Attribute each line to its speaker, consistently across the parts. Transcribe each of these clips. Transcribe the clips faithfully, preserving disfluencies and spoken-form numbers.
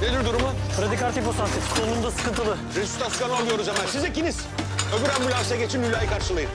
Speaker 1: Nedir durumu?
Speaker 2: Radikal hiposantif. Solunumda sıkıntılı.
Speaker 1: Resütasyonu alıyoruz hemen. Siz ikiniz. Öbür ambulansa geçin, Hülya'yı karşılayın.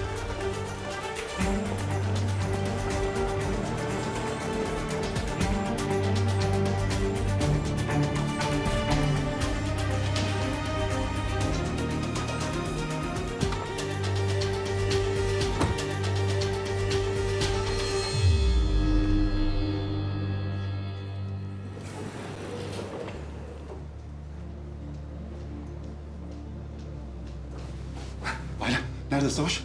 Speaker 3: Ayla, nerede Savaş?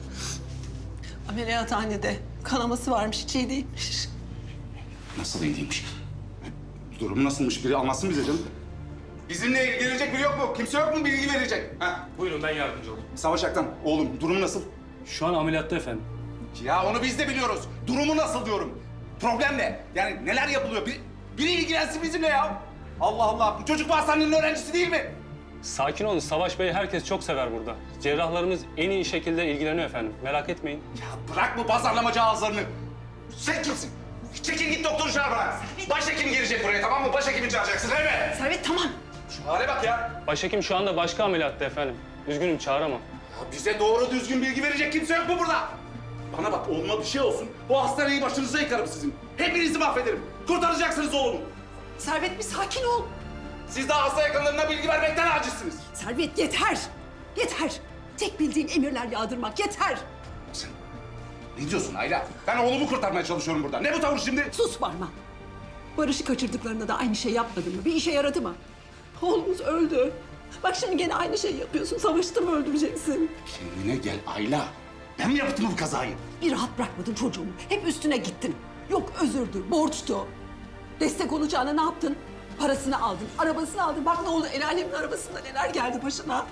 Speaker 4: Ameliyathanede. Kanaması varmış, hiç iyi değilmiş.
Speaker 3: Nasıl iyi değilmiş? Durumu nasılmış? Biri anlatsın bize canım. Bizimle ilgilenecek biri yok mu? Kimse yok mu bilgi verecek? Ha?
Speaker 5: Buyurun ben yardımcı olayım.
Speaker 3: Savaş Aktan, oğlum durumu nasıl?
Speaker 5: Şu an ameliyatta efendim.
Speaker 3: Ya onu biz de biliyoruz. Durumu nasıl diyorum. Problem ne? Yani neler yapılıyor? Bir, biri ilgilensin bizimle ya. Allah Allah, bu çocuk bu hastanenin öğrencisi değil mi?
Speaker 5: Sakin olun. Savaş Bey herkes çok sever burada. Cerrahlarımız en iyi şekilde ilgileniyor efendim. Merak etmeyin.
Speaker 3: Ya bırak bu pazarlamacı ağızlarını. Sen kimsin? Çekil git doktoru çağır bana. Başhekim gelecek buraya, tamam mı? Başhekimi çağıracaksın, değil mi?
Speaker 4: Servet tamam.
Speaker 3: Şu hale bak ya.
Speaker 5: Başhekim şu anda başka ameliyatta efendim. Üzgünüm çağıramam.
Speaker 3: Ya bize doğru düzgün bilgi verecek kimse yok mu burada? Bana bak, oğluma bir şey olsun. Bu hastaneyi başınıza yıkarım sizin. Hepinizi mahvederim. Kurtaracaksınız oğlumu.
Speaker 4: Servet bir sakin ol.
Speaker 3: Siz daha hasta yakınlarına bilgi vermekten acizsiniz.
Speaker 4: Servet yeter. Yeter. Tek bildiğin emirler yağdırmak yeter.
Speaker 3: Sen ne diyorsun Ayla? Ben oğlumu kurtarmaya çalışıyorum burada. Ne bu tavır şimdi?
Speaker 4: Sus Barma. Barış'ı kaçırdıklarında da aynı şey yapmadın mı? Bir işe yaradı mı? Oğlumuz öldü. Bak şimdi gene aynı şeyi yapıyorsun. Savaş'ı da mı öldüreceksin?
Speaker 3: Kendine gel Ayla. Ben mi yaptım bu kazayı?
Speaker 4: Bir rahat bırakmadın çocuğumu. Hep üstüne gittin. Yok özürdü, borçtu. Destek olacağına ne yaptın? Parasını aldın, arabasını aldın. Bak ne oldu, el alemin arabasında neler geldi başına.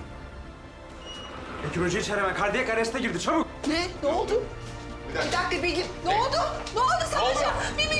Speaker 2: Ekip önce içeri hemen. Kardiyak arreste girdi. Çabuk.
Speaker 4: Ne? Ne oldu? Bir dakika Begüm. Ne oldu? Ne oldu Savaş'a? Bir